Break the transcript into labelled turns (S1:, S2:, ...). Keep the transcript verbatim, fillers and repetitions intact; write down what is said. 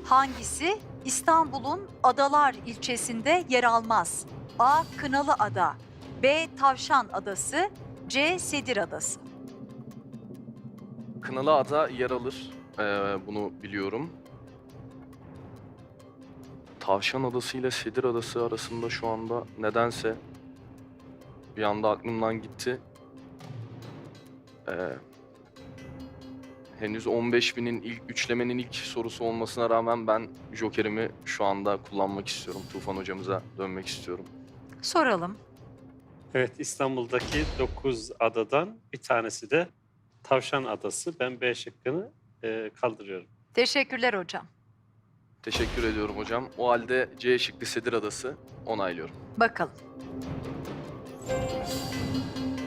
S1: Hangisi İstanbul'un Adalar ilçesinde yer almaz? A. Kınalıada, B. Tavşan Adası, C. Sedir Adası.
S2: Kınalıada yer alır. Ee, bunu biliyorum. Tavşan Adası ile Sedir Adası arasında şu anda nedense bir anda aklımdan gitti. Ee, henüz on beş binin ilk üçlemenin ilk sorusu olmasına rağmen ben Joker'imi şu anda kullanmak istiyorum. Tufan hocamıza dönmek istiyorum.
S1: Soralım.
S3: Evet, İstanbul'daki dokuz adadan bir tanesi de Tavşan Adası. Ben B şıkkını e, kaldırıyorum.
S1: Teşekkürler hocam.
S2: Teşekkür ediyorum hocam. O halde C şıkkı Sedir Adası onaylıyorum.
S1: Bakalım.